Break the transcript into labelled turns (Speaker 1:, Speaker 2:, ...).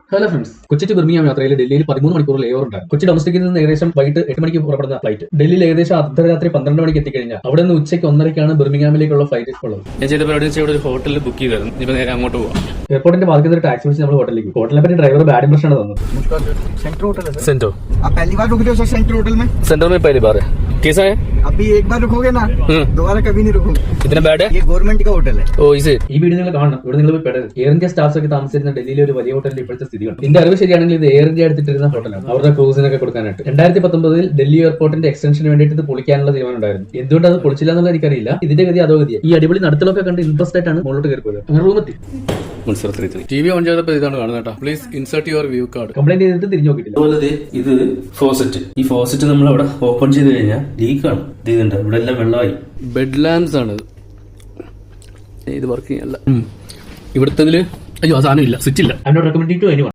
Speaker 1: Hello friends, Kochi to Birmingham യാത്രയിൽ ഡൽഹിയിൽ 13 മണിക്കൂർ ലേവർ ഉണ്ടായിരുന്നു. കൊച്ചി ഡൊമസ്റ്റിക്കിൽ നിന്ന് ഏകദേശം വൈകിട്ട് 8 മണിക്ക് പുറപ്പെടുന്ന ഫ്ലൈറ്റ് ഡൽഹിയിൽ ഏകദേശം അർദ്ധരാത്രി 12 മണിക്ക് എത്തിക്കഴിഞ്ഞാൽ അവിടെ നിന്ന് ഉച്ചയ്ക്ക് 1:30ക്കാണ് ബിർമിംഗാമിലേക്കുള്ള ഫ്ലൈറ്റ് ഉള്ളത്.
Speaker 2: ഞാൻ ചെയ്ത പരിപാടി വെച്ചാൽ ഒരു ഹോട്ടലിൽ ബുക്ക് ചെയ്തായിരുന്നു. ഇപ്പൊ നേരെ അങ്ങോട്ട് പോവാം.
Speaker 1: എയർപോർട്ടിന്റെ ബാക്കി ഒരു ടാക്സി വിളിച്ച് നമ്മൾ ഹോട്ടലിലേക്ക്. ഹോട്ടലിനെ പറ്റി ഡ്രൈവർ ബാഡ് ഇംപ്രഷൻ ആണ് തന്നത്.
Speaker 2: सेंटर
Speaker 3: आप पहली बार रुक रहे हो सर सेंट्रल होटल में?
Speaker 2: सेंटर में पहली बार है. कैसा है?
Speaker 3: अभी एक बार रुकोगे ना दोबारा कभी नहीं रुकोगे.
Speaker 2: इतना बैड है?
Speaker 3: ये गवर्नमेंट का होटल है.
Speaker 2: ओ इसे
Speaker 1: ഈ വീഡിയോ നിങ്ങൾ കാണണം. ഇവിടെ നിങ്ങൾ പോയി പെടരുത്. എയർ ഇന്ത്യ സ്റ്റാഫ്സ് ഒക്കെ താമസിച്ചിരുന്ന ഡൽഹിയിലെ ഒരു വലിയ ഹോട്ടലിൽ ഇപ്പോഴത്തെ സ്ഥിതി കണ്ടു. എന്റെ അറിവ് ശരിയാണെങ്കിൽ ഇത് എയർ ഇന്ത്യ എടുത്തിട്ടിരുന്ന ഹോട്ടലാണ്. അവരുടെ ക്രൂസിനൊക്കെ കൊടുക്കാനായിട്ട് 2019 ഡൽഹി എയർപോർട്ടിന്റെ എക്സ്റ്റൻഷന് വേണ്ടിയിട്ട് ഇത് പൊളിക്കാനുള്ള തീരുമാനം ഉണ്ടായിരുന്നു. എന്തുകൊണ്ട് അത് പൊളിച്ചില്ല എന്നുള്ളത് എനിക്കറിയില്ല. ഇതിന്റെ ഗതി അതോ ഗതിയാണ്. ഈ അടിപൊളി നടത്തലൊക്കെ കണ്ട് ഇൻട്രസ്റ്റ് ആയിട്ടാണ് മുകളിലോട്ട് കയറി പോയത്. അങ്ങനെ റൂമെത്തി
Speaker 2: ടി വി ഓൺ ചെയ്തപ്പോൾ ഇതാണ് കാണുന്നത് കേട്ടോ. Please insert your view card.
Speaker 1: Complaint ചെയ്തിട്ട് തിരിഞ്ഞു നോക്കിയിട്ടില്ല.
Speaker 4: അതുപോലെ ഇത് ഫോസറ്റ്. ഈ ഫോസറ്റ് നമ്മൾ അവിടെ ഓപ്പൺ ചെയ്ത് കഴിഞ്ഞാൽ ലീക്കാണ്. ഇതുണ്ട്, ഇവിടെ എല്ലാം വെള്ളമായി.
Speaker 2: ബെഡ് ലാംപ്സ് ആണ് ഇത് വർക്ക് ചെയ്യല്ല. ഇവിടുത്തെ അയ്യോ ആ സാധനം ഇല്ല, സ്വിച്ച് ഇല്ല.
Speaker 1: I not recommending to anyone.